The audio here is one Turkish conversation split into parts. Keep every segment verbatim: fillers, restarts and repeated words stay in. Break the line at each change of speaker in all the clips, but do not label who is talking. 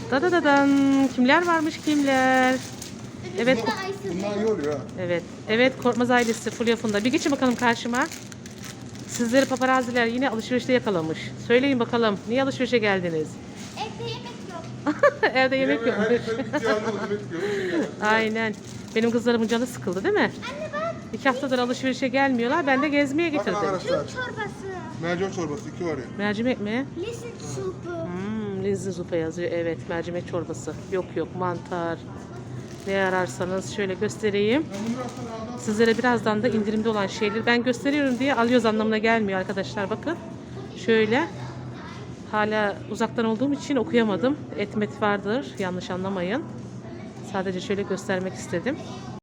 Da da da dan. Kimler varmış kimler? Evet.
Bunlar iyi oluyor ha.
Evet. Evet Korkmaz ailesi Fulya Funda. Bir geçin bakalım karşıma. Sizleri paparaziler yine alışverişte yakalamış. Söyleyin bakalım niye alışverişe geldiniz?
Evde yemek yok.
Evde yemek yok.
Her şey bir cihanlı yemek yiyor.
Aynen. Benim kızlarımın canı sıkıldı değil mi?
Anne bak.
İki haftadır alışverişe gelmiyorlar. Ben de gezmeye
Bakın
getirdim.
arkadaşlar.
Türk çorbası.
Mercan çorbası iki var ya.
Mercimek mi?
Lisin supu.
Hmm, Linzi zupa yazıyor. Evet, mercimek çorbası. Yok yok, mantar. Ne ararsanız şöyle göstereyim. Sizlere birazdan da indirimde olan şeyleri ben gösteriyorum diye alıyoruz anlamına gelmiyor arkadaşlar. Bakın. Şöyle. Hala uzaktan olduğum için okuyamadım. Etmet vardır. Yanlış anlamayın. Sadece şöyle göstermek istedim.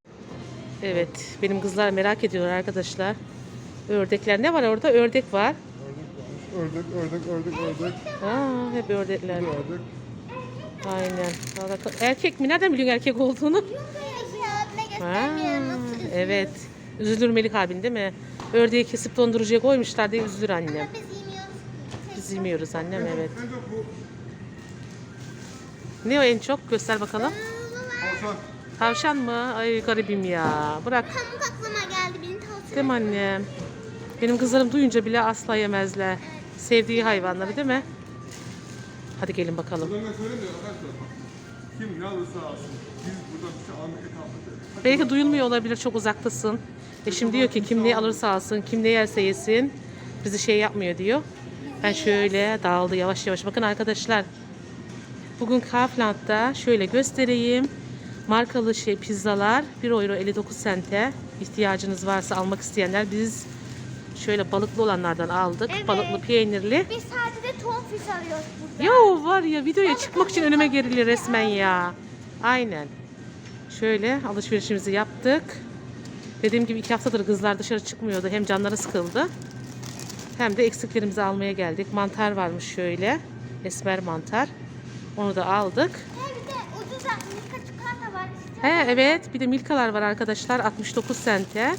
Evet. Benim kızlar merak ediyorlar arkadaşlar. Ördekler. Ne var orada? Ördek var.
Ördek, ördek, ördek, ördek.
Aa, hep ördekler.
Bir ördek.
Aynen. Vallahi erkek mi? Nereden biliyorsun erkek olduğunu?
Abime
Ha,
göstermiyorum. Nasıl üzülür?
evet. Üzülür Melik abin değil mi? Ördeği kesip dondurucuya koymuşlar diye üzülür annem.
Biz yemiyoruz.
Biz yemiyoruz annem evet.
En çok bu
Ne o en çok? Göster bakalım.
Hasan.
Tavşan mı? Ay garibim ya. Bırak.
Pamuk aklıma geldi. Benim tavsiye.
Değil mi annem? Benim kızlarım duyunca bile asla yemezler. Sevdiği hayvanları değil mi? Hadi gelin bakalım.
Buradan ben söyleyeyim de arkadaşlar. Kim ne alırsa alsın. Biz burada bir şey almak kalmadı.
Belki duyulmuyor olabilir, çok uzaktasın. Eşim diyor ki kim ne alırsa alsın, kim ne yerse yesin. Bizi şey yapmıyor diyor. Ben şöyle dağıldı yavaş yavaş. Bakın arkadaşlar. Bugün Kaufland'da şöyle göstereyim. Markalı şey pizzalar bir euro elli dokuz sente. İhtiyacınız varsa almak isteyenler biz şöyle balıklı olanlardan aldık.
Evet.
Balıklı peynirli.
Biz sadece tonfiş arıyoruz burada.
Ya var ya videoya çıkmak için önüme geriliyor resmen ya. Aynen. Şöyle alışverişimizi yaptık. Dediğim gibi iki haftadır kızlar dışarı çıkmıyordu. Hem canları sıkıldı. Hem de eksiklerimizi almaya geldik. Mantar varmış şöyle. Esmer mantar. Onu da aldık.
He bir de ucuz Milka çikolata var.
He evet bir de milkalar var arkadaşlar. altmış dokuz sente.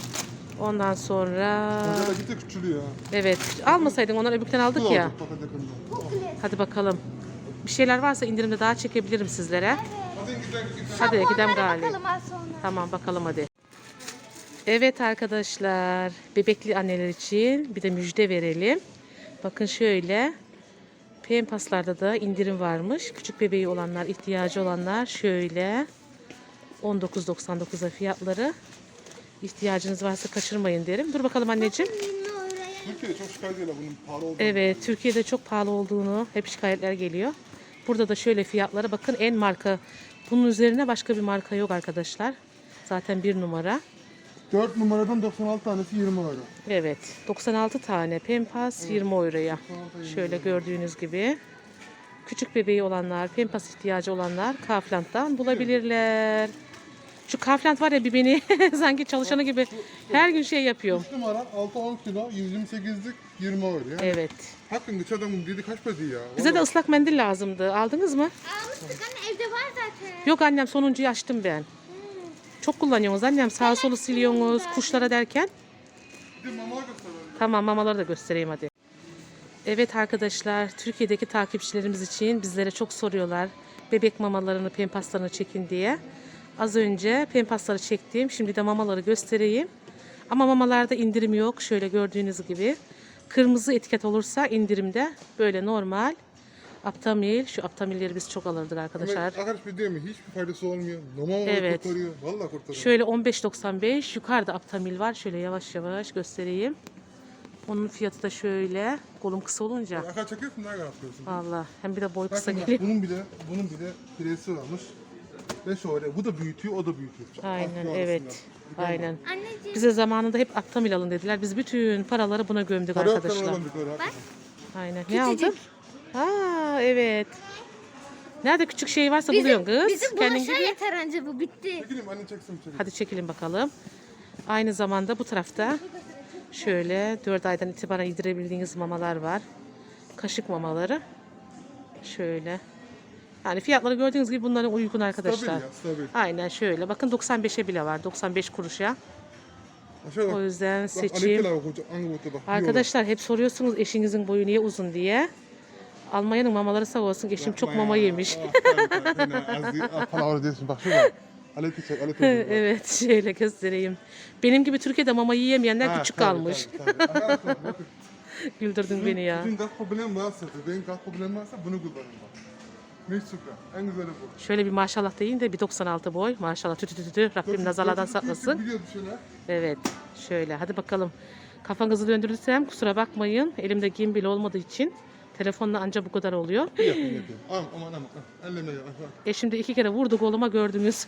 Ondan sonra...
Burada da gitti küçülüyor ha.
Evet almasaydın onları öbürkten aldık
Bu da
ya.
olacak fakat yakında.
Çok güzel.
Hadi bakalım. Bir şeyler varsa indirimde daha çekebilirim sizlere.
Hadi gidelim gidelim.
Hadi gidelim
Onlara
galiba.
bakalım az sonra.
Tamam bakalım hadi. Evet arkadaşlar, bebekli anneler için bir de müjde verelim. Bakın şöyle, Pempas'larda da indirim varmış. Küçük bebeği olanlar, ihtiyacı olanlar şöyle on dokuz doksan dokuza fiyatları. İhtiyacınız varsa kaçırmayın derim. Dur bakalım anneciğim.
yirmi euroya.
Türkiye'de çok şikayet ediyorlar bunun pahalı olduğunu.
Evet, Türkiye'de çok pahalı olduğunu hep şikayetler geliyor. Burada da şöyle fiyatlara bakın en marka. Bunun üzerine başka bir marka yok arkadaşlar. Zaten bir numara.
dört numaradan doksan altı tanesi yirmi euro.
Evet, doksan altı tane Pempas yirmi euroya. Şöyle gördüğünüz gibi. Küçük bebeği olanlar, Pempas ihtiyacı olanlar Kaufland'dan bulabilirler. Şu Kaufland var ya bir beni sanki çalışanı gibi her gün şey yapıyorum.
üç numara altı on kilo yüz yirmi sekizlik yirmi euro. Yani
Evet.
hakkın geçen adamın dedi kaç para ya.
Bize de ıslak mendil lazımdı. Aldınız mı?
Almıştık anne evde var zaten.
Yok annem sonuncuyu açtım ben. Çok kullanıyorsunuz annem. Sağa solu siliyorsunuz kuşlara derken.
Bir de mama gösterelim.
Tamam mamaları da göstereyim hadi. Evet arkadaşlar Türkiye'deki takipçilerimiz için bizlere çok soruyorlar. Bebek mamalarını, pempaslarını çekin diye. Az önce pempasları çektim. Şimdi de mamaları göstereyim. Ama mamalarda indirim yok. Şöyle gördüğünüz gibi. Kırmızı etiket olursa indirimde. Böyle normal. Aptamil. Şu aptamilleri biz çok alırdık arkadaşlar.
Arkadaş bir değil mi? Hiçbir faydası olmuyor. Normal olarak
Evet.
kurtarıyor. Vallahi kurtarıyor.
Şöyle on beş doksan beş. Yukarıda aptamil var. Şöyle yavaş yavaş göstereyim. Onun fiyatı da şöyle. Kolum kısa olunca.
Arkadaş çekiyorsun nereye yapıyorsun?
Vallahi hem bir de boy kısa
Bakın bak,
geliyor.
bunun bile bunun bile piresi varmış. Ve şöyle bu da büyütüyor o da büyütüyor.
Aynen
Farklı
evet.
arasında.
Aynen.
Anneciğim
Bize zamanında hep aptamil alın dediler. Biz bütün paraları buna gömdük
Para yok
arkadaşlar.
kanalım bir kadar.
Aynen. Ne aldın? Aa evet. Nerede küçük şey varsa buluyorsun kız.
bizim
Kendin
bulaşığa
gibi.
yeter anca bu bitti.
Çekileyim anne çeksin içeri.
Hadi çekelim bakalım. Aynı zamanda bu tarafta şöyle dört aydan itibaren yedirebildiğiniz mamalar var. Kaşık mamaları. Şöyle. Yani fiyatları gördüğünüz gibi bunların uygun arkadaşlar.
Stabil ya stabil.
Aynen şöyle. Bakın doksan beşe bile var. doksan beş kuruşa.
Aşağı bak.
O yüzden
Bak
seçeyim.
Alekler bak hoca. Hangi boyuta bak.
Arkadaşlar hep soruyorsunuz eşinizin boyu niye uzun diye. Almanya'nın mamaları sağ olsun. Eşim çok
Yapma
mama
ya.
yemiş.
Ah, tabii, tabii. Yine az değil. Ah, palavra diyorsun. Bak şurada. Ale küçük, ale küçük.
Evet, şöyle göstereyim. Benim gibi Türkiye'de mama yiyemeyenler
Ha,
küçük
tabii,
kalmış.
tabii, tabii. Ayağım tabii, bakın.
Güldürdün beni ya.
Sizin gaz problemi varsa, benim gaz problemi varsa bunu kullanın bak. Mis süper. En güzeli bu.
Şöyle bir maşallah deyin de bir doksan altı boy. Maşallah tütü tütü tütü. Rabbim nazarlardan saklasın.
Biliyordu şeyler.
Evet, şöyle hadi bakalım. Kafanızı döndürürsem kusura bakmayın. Elimde gimbal olmadığı için telefonla anca bu kadar oluyor.
Yapın yapın. Aman aman aman. Elleme ya.
E şimdi iki kere vurdu koluma gördünüz.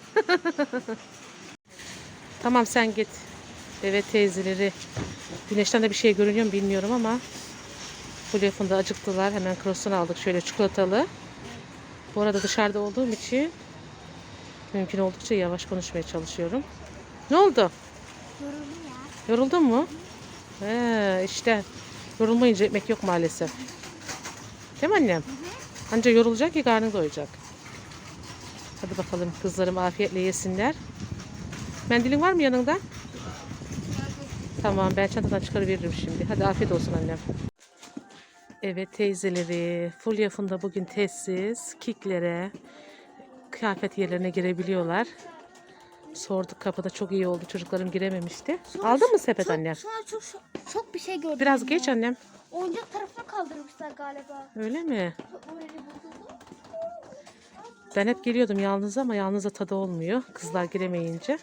Tamam sen git. Evet teyzeleri. Güneşten de bir şey görünüyor mu bilmiyorum ama Fulya Funda acıktılar. Hemen krosunu aldık şöyle çikolatalı. Bu arada dışarıda olduğum için mümkün oldukça yavaş konuşmaya çalışıyorum. Ne oldu?
Yoruldum ya.
Yoruldun mu? He, işte yorulmayınca ekmek yok maalesef. Değil mi annem? Anca yorulacak ki karnın doyacak. Hadi bakalım kızlarım afiyetle yesinler. Mendilin var mı yanında? Tamam ben çantadan çıkarıveririm şimdi. Hadi afiyet olsun annem. Evet teyzeleri, Fulya Funda bugün testsiz, kiklere, kıyafet yerlerine girebiliyorlar. Sorduk kapıda çok iyi oldu. Çocuklarım girememişti. Aldın mı sepet
Çok-
annem?
Sonra çok, çok, çok bir şey gördüm.
Biraz
ya.
geç annem.
Oyuncak tarafına kaldırmışlar galiba.
Öyle mi?
Orayı buldum.
Ben hep geliyordum yalnız ama yalnızda tadı olmuyor. Kızlar giremeyince.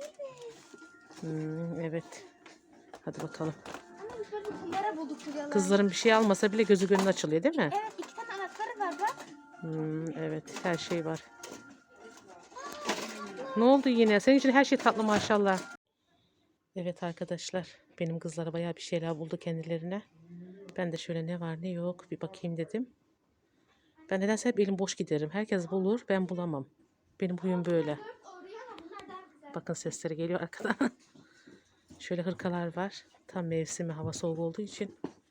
Hmm, evet. Hadi bakalım.
Ama biz böyle bir kumbara bulduk şurada.
Kızların bir şey almasa bile gözü gönlü açılıyor değil mi?
Evet iki tane anahtarı var bak.
Hmm, evet her şey var. Ne oldu yine? Senin için her şey tatlı maşallah. Evet arkadaşlar. Benim kızlara bayağı bir şeyler buldu kendilerine. Ben de şöyle ne var ne yok bir bakayım dedim. Ben nedense hep elim boş giderim. Herkes bulur ben bulamam. Benim huyum böyle. Bakın sesleri geliyor arkadan. Şöyle hırkalar var. Tam mevsimi hava soğuk olduğu için.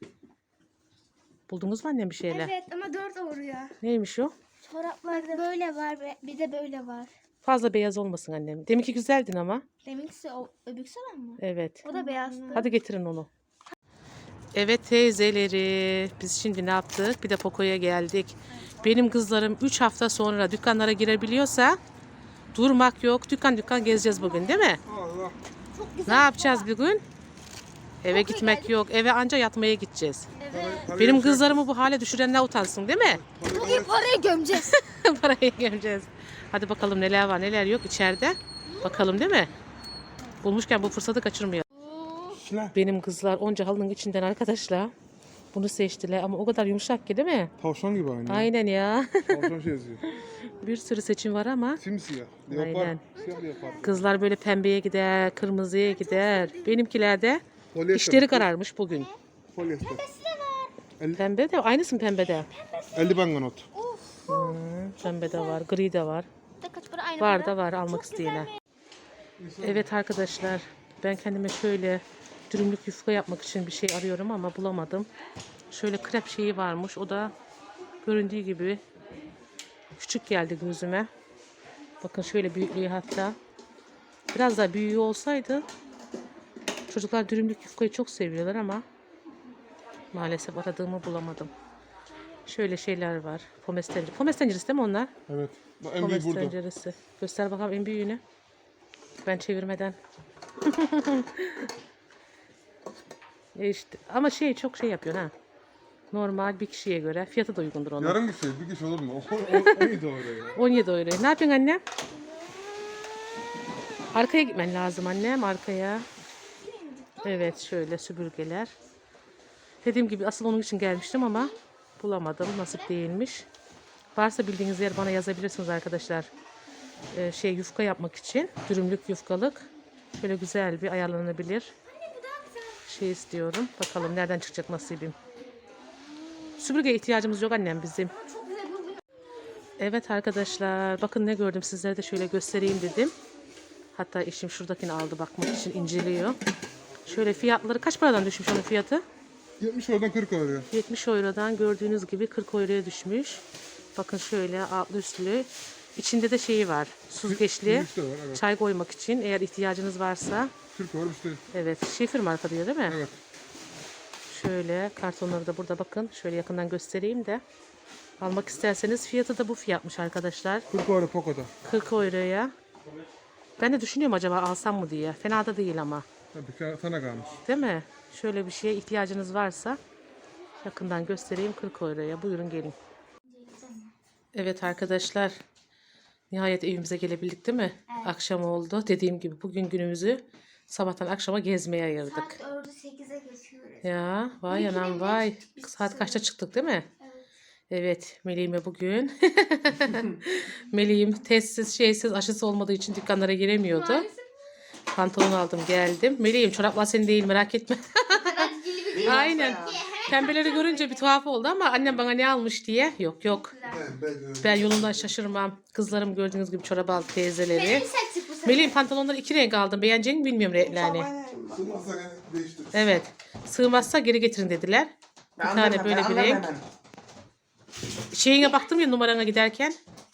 Buldunuz mu annem bir şeyler?
Evet ama dört oruyor.
Neymiş o?
Çoraplarda böyle var ve bir de böyle var.
Fazla beyaz olmasın annem. Deminki güzeldin ama.
Deminkisi o öbüksü olan mı?
Evet.
O da beyazdı.
Hadi getirin onu. Evet teyzeleri. Biz şimdi ne yaptık? Bir de Poco'ya geldik. Benim kızlarım üç hafta sonra dükkanlara girebiliyorsa durmak yok. Dükkan dükkan gezeceğiz bugün değil mi?
Allah.
Ne yapacağız bugün? Eve gitmek yok. Eve anca yatmaya gideceğiz.
Evet.
Benim kızlarımı bu hale düşürenler utansın değil mi?
Bugün parayı gömeceğiz.
Parayı göreceğiz. Hadi bakalım neler var neler yok içeride. Bakalım değil mi? Bulmuşken bu fırsatı kaçırmayalım.
Şuna.
Benim kızlar onca halının içinden arkadaşlar bunu seçtiler ama o kadar yumuşak ki değil mi?
Tavşan gibi aynı.
Aynen ya.
Tavşan şey yazıyor.
Bir sürü seçim var ama
Simsiyah. Leopar.
Aynen.
Siyah leopar.
kızlar böyle pembeye gider, kırmızıya gider. Benimkiler de
Polyester.
işleri kararmış bugün.
Polyester.
Pembe de aynısı mı pembede?
eldiven kanot.
Of.
Hmm, pembe de var, gri de var.
Da kaç para aynı
Var
para.
da var almak isteyene. Evet arkadaşlar ben kendime şöyle dürümlük yufka yapmak için bir şey arıyorum ama bulamadım. Şöyle krep şeyi varmış. O da göründüğü gibi küçük geldi gözüme. Bakın şöyle büyüklüğü hatta. Biraz daha büyüğü olsaydı çocuklar dürümlük yufkayı çok seviyorlar ama maalesef aradığımı bulamadım. Şöyle şeyler var. Pomes tenceresi. Pomes tenceresi değil mi onlar?
Evet. Bak en büyük
Pomes
burada.
tenceresi. Göster bakalım en büyüğünü. Ben çevirmeden. E işte, ama şey çok şey yapıyor ha. Normal bir kişiye göre fiyatı da uygundur onun.
Yarım kişi, bir kişi olur mu? O, o, o iyi doğru ya.
on yedi euro. Ne yapıyorsun annem? Arkaya gitmen lazım annem arkaya. Evet şöyle süpürgeler. Dediğim gibi asıl onun için gelmiştim ama bulamadım. Nasip değilmiş. Varsa bildiğiniz yer bana yazabilirsiniz arkadaşlar. Ee, şey yufka yapmak için. Dürümlük yufkalık. Şöyle güzel bir ayarlanabilir. Şey istiyorum. Bakalım nereden çıkacak nasibim. Süpürgeye ihtiyacımız yok annem bizim. Evet arkadaşlar bakın ne gördüm sizlere de şöyle göstereyim dedim. Hatta eşim şuradakini aldı bakmak için inceliyor. Şöyle fiyatları kaç paradan düşmüş onun fiyatı?
yetmiş oradan kırk oluyor.
yetmiş eurodan gördüğünüz gibi kırk euroya düşmüş. Bakın şöyle altlı üstlü. İçinde de şeyi var. Süzgeçli.
Süzgeç de var, evet.
Çay koymak için eğer ihtiyacınız varsa.
kırk var işte.
Evet. Şifir marka diyor değil mi?
Evet.
Şöyle kartonları da burada bakın. Şöyle yakından göstereyim de. Almak isterseniz fiyatı da bu fiyatmış arkadaşlar.
kırk euro Poco'da.
kırk euroya. Ben de düşünüyorum acaba alsam mı diye. Fena da değil ama.
Tabii sana kalmış.
Değil mi? Şöyle bir şeye ihtiyacınız varsa yakından göstereyim, kırk euroya. Buyurun gelin. Evet arkadaşlar. Nihayet evimize gelebildik değil mi? Akşam oldu. Dediğim gibi bugün günümüzü sabahtan akşama gezmeye ayırdık.
Saat dördü sekize geçiyoruz.
Ya vay anam vay. Saat kaçta çıktık değil mi?
Evet.
Evet, Meleğim'e bugün. Meleğim testsiz, şeysiz, aşısı olmadığı için dükkanlara giremiyordu. Pantolon aldım, geldim. Meleğim, çoraplar senin değil, merak etme. Aynen. Pembeleri görünce bir tuhaf oldu ama annem bana ne almış diye. Yok yok. Ben yolundan şaşırmam. Kızlarım gördüğünüz gibi çorap aldı teyzeleri. Meleğim pantolonları iki renk aldım. Beğeneceğini bilmiyorum renklerini. Evet. Sığmazsa geri getirin dediler. Bir tane böyle bir renk. Şeyine baktım ya numarana giderken.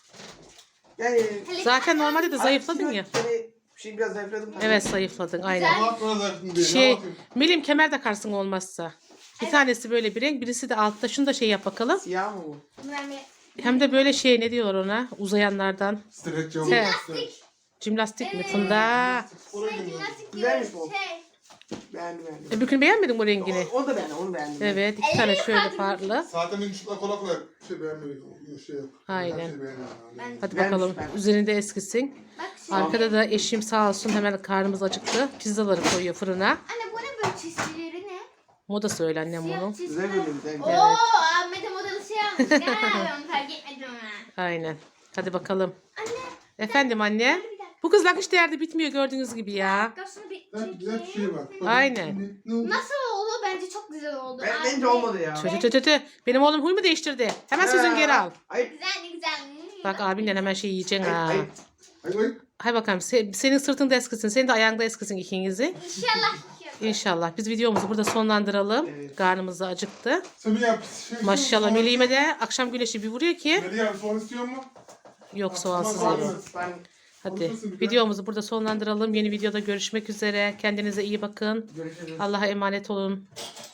Yani
Zaten normalde de zayıfladın ya.
Yani şey biraz zayıfladım.
Evet zayıfladın aynen. Şey, Melim kemer takarsın olmazsa. Bir tanesi böyle bir renk, birisi de altta. Şunu da şey yap bakalım.
Siyah mı bu?
Hem de böyle şey ne diyorlar ona? Uzayanlardan.
Stretch
He. Cimnastik mi Funda?
Güzelmiş bu. Beğendim beğendim.
E, Bugün beğenmedin bu rengini.
O, o da beğendim, onu beğendim.
Evet, iki tane şöyle farklı.
Zaten benim çıplak kola kola şey beğenmedim. Şey yok.
Aynen.
Her şey beğenmedim.
Hadi
Beğenmiş
bakalım.
ben.
Üzerinde eskisin. Arkada da eşim sağ olsun hemen karnımız acıktı. Pizzaları koyuyor fırına.
Anne bu ne böyle çizgileri ne?
Moda söyle annem
Siyah
bunu.
Güzel
çizgiler.
böyle güzel.
Oo, Ahmet'e modalı şey almış. Ya ben fark etmedim ha.
Aynen. Hadi bakalım.
Anne,
Efendim anne.
bir dakika.
Bu kız nakış değerde bitmiyor gördüğünüz gibi ya.
Şunu bir
Ben güzel bir şey var.
Aynen.
Ne oldu?
Nasıl oldu? Bence çok güzel oldu.
Ben,
Anne.
bence olmadı ya.
Tö tö tö tö. Benim oğlum huy mu değiştirdi? Hemen sözünü geri al.
Ay,
Güzel ne güzel.
Bak abinden hemen şey yiyeceksin
ay,
ha.
ay.
Ay ay.
Hay bakalım se- senin sırtında eskisin. Senin de ayağında eskisin ikinizi.
İnşallah.
İnşallah. Biz videomuzu burada sonlandıralım.
Evet.
Karnımız da acıktı.
Sen bir yap. Şey,
Maşallah
soğan-
Meleğime de akşam güneşi bir vuruyor ki.
Melih abi soğan istiyor mu?
Yok soğansız
Tamam,
yerim.
Ben
Hadi
Konuşmasın bir
videomuzu burada sonlandıralım. Yeni videoda görüşmek üzere. Kendinize iyi bakın.
görüşürüz.
Allah'a emanet olun.